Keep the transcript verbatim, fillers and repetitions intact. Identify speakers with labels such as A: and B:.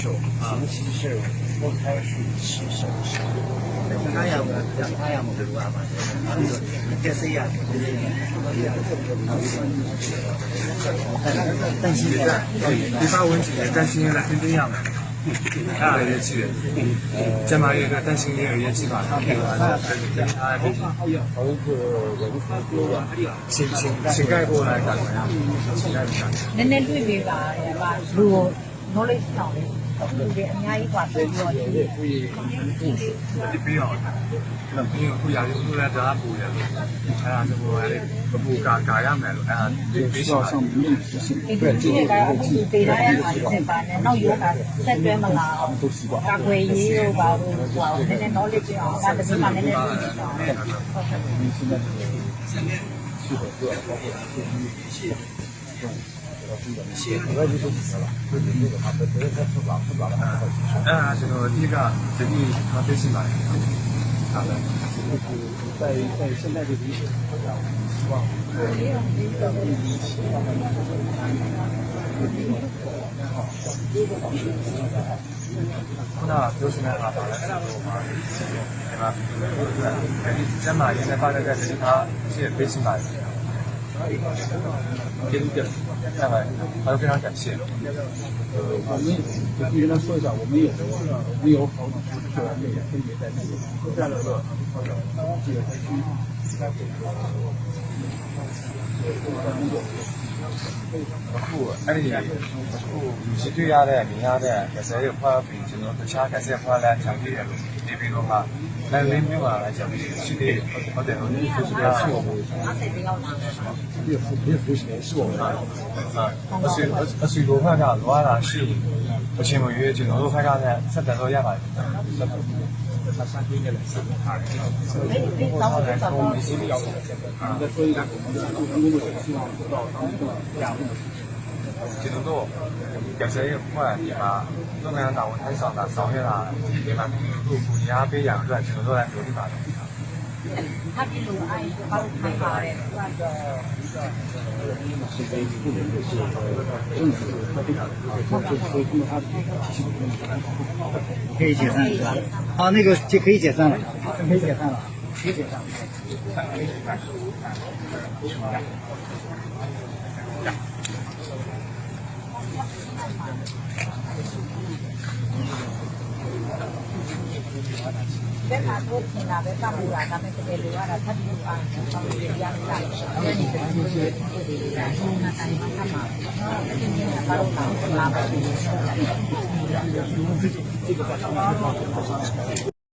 A: 啊，其实我开始起手时，那样的那样的路啊嘛，这是一样的。担心的，
B: 地方问题，担心来跟这样的，啊，也去，这嘛一个担心也有也去吧，他新新新盖过来干嘛呀？新盖过来。
C: နည်းနည်းတွေ့ပေးပါရဲ့ဗျာလူကို knowledge တောင်းတယ်လူတွေအများကြီးกว่าပြီးတော့ဒီ
B: ဒီပြီးတော့ဒီခုရာရုံးလည်းဒါပူတယ်အဲ့ဒါဆိုတော့အဲ့ပူကာကာရမယ်လို့အဲ့ဒါဒီပြီးတော့ဆောင်ပြီး
C: ဒီဒီကအခုဒီပေးထားရတာဖြစ်ပါနဲ့နောက်ရောတာဆက်တွဲမလားကာကွယ်ရေးတို့ပါလို့ဟိုနည်းနည်း knowledge အောင်ဒါတစ်ပတ်နည်းနည်းသိချင်တာဟုတ်ကဲ့
B: အဲ့ဒါကျွန်တော်အဓိကဒီနေ့မသိရှိပါတယ်ဟုတ်တယ်在在现在这个历史上，希望ခုနပြောချင်တာကပါလဲဆိုတော့ပါဒီမှာဒီကျမရေးနေပါတဲ့ဒီကရှေ့ပေးရှင်ပါတယ်ကျေးဇူးတင်ပါတယ်အားလုံး非常感谢
D: 呃，我们就跟他说一下，我们有没有好的是我们也分别在那个这样的这个区域。
B: အခုအဲ့ဒီအခုရှိတွေ့ရတဲ့မြင်ရတဲ့ကစားရဖွဲ့ပြီးကျွန်တော်တခြားကစားဖွဲ့လာချောင်းပြီးတယ်လို့ဒီပြီးတော့မှလည်းလင်းမျိုးပါချောင်းပြီးရှိသေးတယ်ဟုတ်တယ်ဟုတ်တယ်ဆိုတော့是我们
D: 别服别服谁是我们
B: 啊အဆွေအဆွေလိုဖက်ကလွားတာရှိအချင်းမရွေးကျွန်တော်တို့ဖက်ကလည်းဆက်တယ်တော့ရပါတယ်ဆက်တယ်他三天也来三趟，
C: 然后就找到
D: 没心理要求。再说一个，我们的助成工作者希望做到当一个两路。
B: ကျွန်တော်တို့ကစားရဖွဲ့ဒီမှာလုပ်ငန်းတာဝန်ထမ်းဆောင်တာဆောင်ရွက်လာဒီမှာသူ့ကိုညာပေးရအောင်အတွက်ကျွန်တော်တို့လည်းပြောပြပါတယ်
C: 他比如爱把我开发的那个
D: 是为不能就是政府他非常就是所以通过他的体系
A: 可以解散是吧？啊，那个就可以解散了，可以解散了，可以解散了。
C: ဘယ်မှာတော့ခင်တာပဲပတ်မှုတာဒါပေမဲ့တကယ်လို့ရတာထပ်ပြီးပါရင်ဆောင်းရရတာ။အဲဒီတည်းကဒီလိုဒါဆုံးနာတိုင်းမှာထပ်မှာ။အဲဒီနေ့ကဘာလို့လဲလာပါ့